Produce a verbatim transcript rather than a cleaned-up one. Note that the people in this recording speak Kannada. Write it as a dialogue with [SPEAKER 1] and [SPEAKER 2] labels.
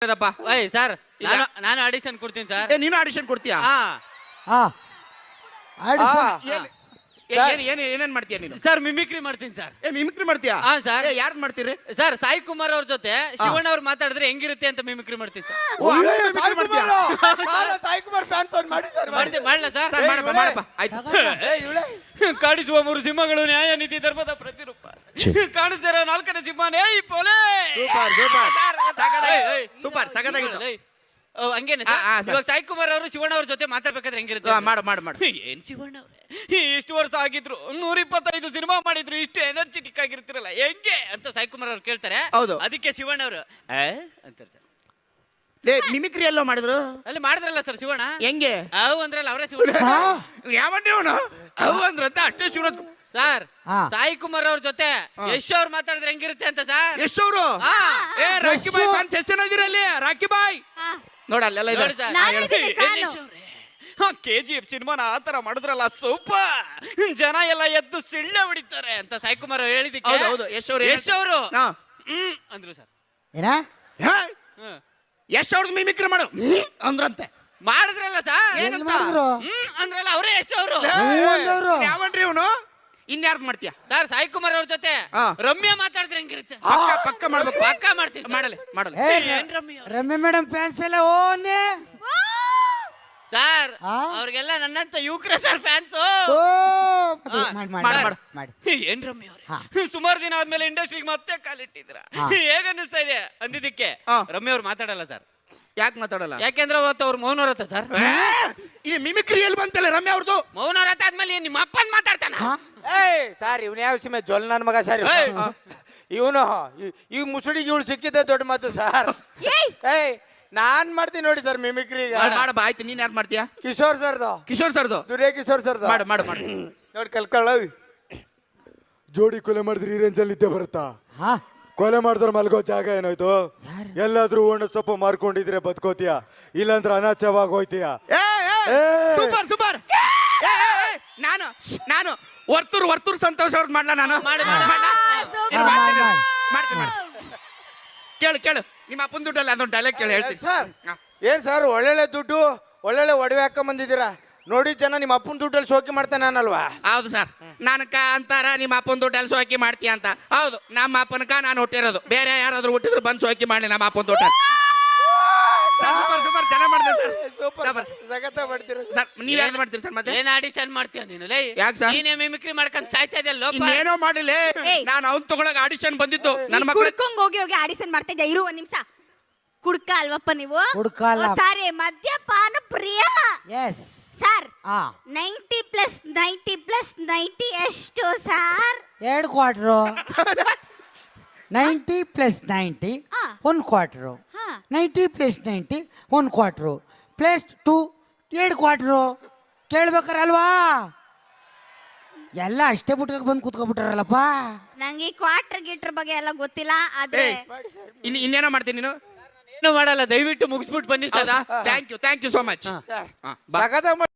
[SPEAKER 1] ಓಯ್ ಸರ್, ನಾನು ನಾನು ಆಡಿಷನ್ ಕೊಡ್ತೀನಿ ಸರ್.
[SPEAKER 2] ಏ ನೀನು ಆಡಿಷನ್ ಕೊಡ್ತೀಯಾ?
[SPEAKER 1] ಹಾ
[SPEAKER 3] ಹಾ ಆಡಿಷನ್
[SPEAKER 2] ಏನ್ ಏನ್- ಏನ್ ಏನೇನ್ ಮಾಡ್ತೀಯ ನೀನು?
[SPEAKER 1] ಸರ್, ಮಿಮಿಕ್ರಿ ಮಾಡ್ತೀನಿ ಸರ್.
[SPEAKER 2] ಏ ಮಿಮಿಕ್ರಿ ಮಾಡ್ತೀಯಾ?
[SPEAKER 1] ಹಾ ಸರ್.
[SPEAKER 2] ಏ ಯಾರ್ದು ಮಾಡ್ತೀರಿ?
[SPEAKER 1] ಸರ್, ಸಾಯಿ ಕುಮಾರ್ ಅವ್ರ ಜೊತೆ ಶಿವಣ್ಣ ಅವ್ರು ಮಾತಾಡಿದ್ರೆ ಹೆಂಗಿರುತ್ತೆ ಅಂತ ಮಿಮಿಕ್ರಿ ಮಾಡ್ತೀನಿ ಸರ್.
[SPEAKER 2] ಓ, ಹಂಗೆ mimicry ಮಾಡ್ತೀಯಾ?
[SPEAKER 3] ಸಾಯಿ ಕುಮಾರ್ ಫ್ಯಾನ್ಸ್ ಅವ್ರು ಮಾಡಿ ಸರ್
[SPEAKER 1] ಮಾಡ್ತೀನಿ, ಮಾಡ್ಲಾ ಸರ್?
[SPEAKER 2] ಸರ್ ಮಾಡಪ್ಪ ಮಾಡಪ್ಪ ಆಯ್ತು.
[SPEAKER 1] ಕಾಡಿಸುವ ಮೂರು ಸಿಂಹಗಳು ನ್ಯಾಯ ನೀತಿ ಧರ್ಮದ ಪ್ರತಿರೂಪ. ಕಾಣಿಸ್ತಿರೋ ನಾಲ್ಕನೇ ಸಿಂಹನೇ ಈ ಪೋಲೆ.
[SPEAKER 2] ಸೂಪರ್ ಸೂಪರ್ ಸಗದಾಗಿತ್ತು. ಸೂಪರ್ ಸಗದಾಗಿತ್ತು.
[SPEAKER 1] ಓ, ಹಂಗೇನೆ
[SPEAKER 2] ಆ, ಆ,
[SPEAKER 1] ಸರ್.
[SPEAKER 2] ಸರ್.
[SPEAKER 1] ಇವಾಗ ಸಾಯಿ ಕುಮಾರ್ ಅವರು ಶಿವಣ್ಣ ಅವ್ರ ಜೊತೆ ಮಾತಾಡ್ಬೇಕಾದ್ರೆ ಹೆಂಗಿರುತ್ತೆ?
[SPEAKER 2] ಆ, ಮಾಡು ಮಾಡು ಮಾಡು.
[SPEAKER 1] ಏನ್ ಶಿವಣ್ಣ ಅವ್ರೆ, ಇಷ್ಟು ವರ್ಷ ಆಗಿದ್ರು ನೂರ ಇಪ್ಪತ್ತೈದು ಸಿನಿಮಾ ಮಾಡಿದ್ರು, ಇಷ್ಟು ಎನರ್ಜೆಟಿಕ್ ಆಗಿರ್ತಿರಲ್ಲ ಹೆಂಗೆ ಅಂತ ಸಾಯಿ ಕುಮಾರ್ ಅವ್ರು ಕೇಳ್ತಾರೆ.
[SPEAKER 2] ಹೌದು.
[SPEAKER 1] ಅದಕ್ಕೆ ಶಿವಣ್ಣ ಅವರು ಅಂತಾರೆ ಸರ್.
[SPEAKER 2] ಏ ಮಿಮಿಕ್ರಿ ಎಲ್ಲೋ ಮಾಡಿದ್ರು?
[SPEAKER 1] ಅಲ್ಲಿ ಮಾಡಿದ್ರಲ್ಲ ಸರ್ ಶಿವಣ್ಣ.
[SPEAKER 2] ಹೆಂಗೆ?
[SPEAKER 1] ಅವು ಅಂದ್ರಲ್ಲ ಅವರೇ ಶಿವಣ್ಣ.
[SPEAKER 2] ಯಾವನ್ನೇ ಅವನು ಅವು ಅಂದ್ರಂತ ಅಷ್ಟೇ ಶಿವರಾಜ್
[SPEAKER 1] ಸರ್.
[SPEAKER 3] ಹಾ.
[SPEAKER 1] ಸಾಯಿ ಕುಮಾರ್ ಅವ್ರ ಜೊತೆ ಯಶ್ ಅವ್ರು ಮಾತಾಡಿದ್ರೆ ಹೆಂಗಿರುತ್ತೆ ಅಂತ ಸರ್.
[SPEAKER 2] ಎಷ್ಟವರು?
[SPEAKER 1] ಹಾ.
[SPEAKER 2] ಏ ರಾಕಿ ಬಾಯ್ ಫ್ಯಾನ್ಸ್ ಎಷ್ಟು ಜನ ಇದೀರ ಅಲ್ಲಿ? ರಾಕಿ ಬಾಯ್ ನೋಡ ಅಲ್ಲೆಲ್ಲ
[SPEAKER 1] ನೋಡಿ
[SPEAKER 2] ಇದ್ದಾರೆ.
[SPEAKER 1] ಸರ್.
[SPEAKER 4] ನಾನು ಇದ್ದೀನಿ
[SPEAKER 1] ಏನ್
[SPEAKER 4] fan.
[SPEAKER 1] ಯಶ್ ಅವ್ರೆ? ಹಾ, ಕೆ ಜಿ ಎಫ್ ಸಿನಿಮಾನ ಆ ತರ ಮಾಡಿದ್ರಲ್ಲ ಸೂಪರ್, ಜನ ಎಲ್ಲ ಎದ್ದು ಸಿಳ್ಳೆ ಹೊಡಿತಾರೆ ಅಂತ ಸಾಯಿ ಕುಮಾರ್ ಅವ್ರು ಹೇಳಿದಕ್ಕೆ
[SPEAKER 2] ಹೌದು, ಹೌದು. ಯಶ್ ಅವ್ರು
[SPEAKER 1] ಯಶ್ ಅವರು
[SPEAKER 2] ಹಾ.
[SPEAKER 1] ಹ್ಮ್ ಅಂದ್ರು ಸರ್.
[SPEAKER 3] ಏನ
[SPEAKER 2] ಹಾ?
[SPEAKER 1] ಹ್ಮ್.
[SPEAKER 2] ಯಶ್ ಅವ್ರಿಗೆ ಮಿಮಿಕ್ರಿ ಮಾಡು ಹ್ಮ್ ಅಂದ್ರಂತೆ.
[SPEAKER 1] ಮಾಡಿದ್ರಲ್ಲ ಸರ್.
[SPEAKER 3] ಏನ್ ಮಾಡಿದ್ರು?
[SPEAKER 1] ಹ್ಮ್ ಅಂದ್ರಲ್ಲ ಅವರೇ ಯಶ್ ಅವರು.
[SPEAKER 3] ಹ್ಞೂ ಅಂದವ್ರು.
[SPEAKER 2] ಯಾವನ್ರಿ ಇವನು? ಇನ್ಯಾರ್ದು ಮಾಡ್ತೀಯ?
[SPEAKER 1] ಸರ್, ಸಾಯಿ ಕುಮಾರ್ ಅವ್ರ ಜೊತೆ
[SPEAKER 2] ಹಾ.
[SPEAKER 1] ರಮ್ಯಾ ಮಾತಾಡಿದ್ರೆ ಹೆಂಗಿರುತ್ತೆ?
[SPEAKER 2] ಪಕ್ಕ ಪಕ್ಕ ಮಾಡ್ಬೇಕು.
[SPEAKER 1] ಪಕ್ಕ ಮಾಡ್ತೀನಿ ಸರ್.
[SPEAKER 2] ಮಾಡಲೆ ಮಾಡಲೆ
[SPEAKER 3] ಏ
[SPEAKER 1] ಏನ್ ರಮ್ಯಾ ಅವ್ರೆ?
[SPEAKER 3] ರಮ್ಯ ಮೇಡಮ್ ಫ್ಯಾನ್ಸ್ ಎಲ್ಲ ಓನೆ
[SPEAKER 1] ಸರ್,
[SPEAKER 3] ಆ?
[SPEAKER 1] ಅವ್ರಿಗೆಲ್ಲ ನನ್ನಂತ ಯುವಕರ ಸರ್ ಫ್ಯಾನ್ಸ್.
[SPEAKER 3] ಓ
[SPEAKER 1] ಹಾ,
[SPEAKER 3] ಮಾಡಿ
[SPEAKER 2] ಮಾಡು,
[SPEAKER 3] ಮಾಡಿ
[SPEAKER 2] ಮಾಡು.
[SPEAKER 3] ಮಾಡಿ
[SPEAKER 1] ಏನ್ ರಮ್ಯ
[SPEAKER 3] ಹಾ.
[SPEAKER 1] ಅವ್ರೆ, ಸುಮಾರು ದಿನ ಆದ್ಮೇಲೆ ಇಂಡಸ್ಟ್ರಿಗೆ ಮತ್ತೆ ಕಾಲಿಟ್ಟಿದ್ರ,
[SPEAKER 3] ಹಾ.
[SPEAKER 1] ಹೇಗ ಅನಿಸ್ತಾ ಇದೆ ಅಂದಿದ್ದಕ್ಕೆ
[SPEAKER 2] ಹಾ.
[SPEAKER 1] ರಮ್ಯ ಅವ್ರು ಮಾತಾಡಲ್ಲ ಸರ್.
[SPEAKER 2] ಯಾಕೆ ಮಾತಾಡಲ್ಲ?
[SPEAKER 1] ಯಾಕೆಂದ್ರೆ ಅವತ್ತು ಅವ್ರು ಮೌನವ್ರತ ಸರ್.
[SPEAKER 2] ಈ ಮಿಮಿಕ್ರಿ ಎಲ್ಲಿ ಬಂತಲ್ಲ ರಮ್ಯ ಅವ್ರದ್ದು?
[SPEAKER 1] ಮೌನವ್ರತ ಆದ್ಮೇಲೆ ನಿಮ್ಮ ಅಪ್ಪನ್ ಮಾತಾಡ್ತಾನ.
[SPEAKER 5] ಏಯ್ ಸರ್ ಇವ್ನ ಯಾವ ಸಿಮೆ ಜೊಲ್ ನನ್ನ ಮಗ ಸರ್
[SPEAKER 1] ಏಯ್.
[SPEAKER 5] ಇವನು ಈಗ ಮುಸುಡಿಗೆ ಇವಳು ಸಿಕ್ಕಿದ್ದೆ ದೊಡ್ಡ ಮಾತು ಸರ್. ಏಯ್ ನಾನ್ ಮಾಡ್ತೀನಿ ನೋಡಿ ಸರ್ ಮಿಮಿಕ್ರಿ ಈಗ.
[SPEAKER 2] ಮಾಡು, ಮಾಡು ಬಾ ಆಯ್ತು. ನೀನ್ ಯಾರು ಮಾಡ್ತೀಯಾ?
[SPEAKER 5] ಕಿಶೋರ್ ಸರ್ದು,
[SPEAKER 2] ಕಿಶೋರ್ ಸರ್ದು
[SPEAKER 5] ದುರ್ಯ ಕಿಶೋರ್ ಸರ್ದು
[SPEAKER 2] ಮಾಡು ಮಾಡು ಮಾಡು.
[SPEAKER 5] ನೋಡಿ ಕಲ್ಕೊಳ್ಳ. ಜೋಡಿ ಕೊಲೆ ಮಾಡಿದ್ರೆ ಈ ರೇಂಜಲ್ಲಿ ಇದ್ದೇ ಬರುತ್ತಾ?
[SPEAKER 3] ಹಾ
[SPEAKER 5] ಕೊಲೆ ಮಾಡಿದ್ರೆ ಮಲ್ಗೋ ಜಾಗ ಏನಾಯ್ತು? ಎಲ್ಲಾದ್ರೂ ಒಣ ಸೊಪ್ಪು ಮಾರ್ಕೊಂಡಿದ್ರೆ ಬದುಕೋತೀಯ, ಇಲ್ಲಾಂದ್ರೆ ಅನಾಚವಾಗಿ ಹೋಯ್ತೀಯ.
[SPEAKER 2] ಏ, ಏ,
[SPEAKER 5] ಏ.
[SPEAKER 2] Super super. ಏ, ಏ, ಏ, ನಾನು ನಾನು ವರ್ತೂರ್ ವರ್ತೂರ್ ಸಂತೋಷ್ ಅವ್ರದ್ದು ಮಾಡ್ಲಾ ನಾನು?
[SPEAKER 1] ಮಾಡು, ಮಾಡು.
[SPEAKER 2] ಮಾಡ್ಲಾ?
[SPEAKER 4] ಸೂಪರ್.
[SPEAKER 2] ಇರು,
[SPEAKER 3] ಮಾಡಿ,
[SPEAKER 2] ಮಾಡ್ತೀನಿ,
[SPEAKER 3] ಮಾಡಿ.
[SPEAKER 2] ಮಾಡ್ತೀನಿ ಮಾಡ್ತೀನಿ. ಕೇಳು ಕೇಳು, ನಿಮ್ಮ ಅಪ್ಪನ ದುಡ್ಡಲ್ಲ ಅದೊಂದು ಡೈಲಾಗ್ ಕೇಳಿ ಹೇಳ್ತೀನಿ.
[SPEAKER 5] ಸರ್
[SPEAKER 2] ಹಾ.
[SPEAKER 5] ಏನ್ ಸರ್ ಒಳ್ಳೊಳ್ಳೆ ದುಡ್ಡು ಒಳ್ಳೊಳ್ಳೆ ಒಡವೆ ಹಾಕೊಂಡ್ ಬಂದಿದ್ದೀರಾ ನೋಡಿ. ಜನ ನಿಮ್ಮ ಅಪ್ಪನ ದುಡ್ಡಲ್ಲಿ ಶೋಕಿ ಮಾಡ್ತಾನೆ ನಾನಲ್ವಾ?
[SPEAKER 2] ಹೌದು ಸರ್. ನನಕ ಅಂತಾರ ನಿಮ್ಮ ಅಪ್ಪನ ದುಡ್ಡಲ್ಲಿ ಸೋಕಿ ಮಾಡ್ತೀಯ ಅಂತ. ಹೌದು, ನಮ್ಮ ಅಪ್ಪನಕ ನಾನು ಹುಟ್ಟಿರೋದು. ಬೇರೆ ಯಾರಾದ್ರೂ ಹುಟ್ಟಿದ್ರು ಬಂದು ಸೋಕಿ ಮಾಡಲಿ ನಮ್ಮ ಅಪ್ಪನ ದುಡ್ಡ. ಸೂಪರ್ ಸೂಪರ್ ಚೆನ್ನಾಗಿ ಮಾಡಿದೆ ಸರ್.
[SPEAKER 5] Super
[SPEAKER 2] super.
[SPEAKER 5] ಜಗತ್ತ ಮಾಡ್ತೀರಾ
[SPEAKER 2] ಸರ್ ನೀವ್ ಯಾರು ಮಾಡ್ತೀರಿ ಸರ್ ಮತ್ತೆ?
[SPEAKER 1] ಏನ್ ಆಡಿಷನ್ ಮಾಡ್ತೀಯ ನೀನು? ಲೈ,
[SPEAKER 2] ಯಾಕ್ ಸರ್?
[SPEAKER 1] ನೀನೇ ಮಿಮಿಕ್ರಿ ಮಾಡ್ಕೊಂಡ್ ಸಾಯ್ತಾ ಇದೆಯಲ್ಲ ಲೋಪ.
[SPEAKER 2] ಇನ್ನೇನೋ ಮಾಡಿಲ್ಲ.
[SPEAKER 4] ಏಯ್.
[SPEAKER 2] ನಾನು ಅವ್ನ್ ತಗೊಳಕ್ ಆಡಿಷನ್ ಬಂದಿತ್ತು ನನ್ನ ಮಕ್ಕಳು.
[SPEAKER 4] ಕುಡ್ಕೊಂಡ್ ಹೋಗಿ ಹೋಗಿ ಆಡಿಷನ್ ಮಾಡ್ತಾ ಇದ್ದೆ. ಇರು ಒಂದ್ ನಿಮಿಷ. ಕುಡ್ಕ ಅಲ್ವಪ್ಪ ನೀವು?
[SPEAKER 3] ಕುಡ್ಕ ಅಲ್ಲ.
[SPEAKER 4] ಸಾರಿ, ಮದ್ಯಪಾನ ಪ್ರಿಯ
[SPEAKER 3] ಎಸ್
[SPEAKER 4] ಸರ್.
[SPEAKER 3] ಹಾ
[SPEAKER 4] ninety plus ninety plus ninety ಎಷ್ಟು ಸರ್?
[SPEAKER 3] ಎರಡು ಕ್ವಾರ್ಟ್ರು ನೈಂಟಿ ಪ್ಲಸ್ ನೈಂಟಿ
[SPEAKER 4] ಹಾ.
[SPEAKER 3] ಒಂದು ಕ್ವಾರ್ಟ್ರು
[SPEAKER 4] ಹಾ.
[SPEAKER 3] ನೈಂಟಿ ಪ್ಲಸ್ ನೈಂಟಿ ಒಂದು ಕ್ವಾರ್ಟ್ರು ಪ್ಲಸ್ ಟು ಎರಡು ಕ್ವಾರ್ಟ್ರು. ಕೇಳ್ಬೇಕಲ್ವಾ? ಎಲ್ಲ ಅಷ್ಟೇ ಬಿಟ್ಕೊಂಡು ಬಂದು ಕೂತ್ಕೊಬಿಟ್ಟಾರಲ್ಲಪ್ಪ.
[SPEAKER 4] ನಂಗೆ ಈ ಕ್ವಾರ್ಟರ್ ಗೀಟರ್ ಬಗ್ಗೆ ಎಲ್ಲ ಗೊತ್ತಿಲ್ಲ. ಆದ್ರೆ
[SPEAKER 2] ಏಯ್, ಇನ್ ಇನ್ನೇನೋ ಮಾಡ್ತೀನಿ ನೀನು?
[SPEAKER 1] ಏನು ಮಾಡಲ್ಲ, ದಯವಿಟ್ಟು ಮುಗಿಸ್ಬಿಟ್ಟು ಬನ್ನಿ sir.
[SPEAKER 2] Thank you thank you so much.
[SPEAKER 5] ಸಗದ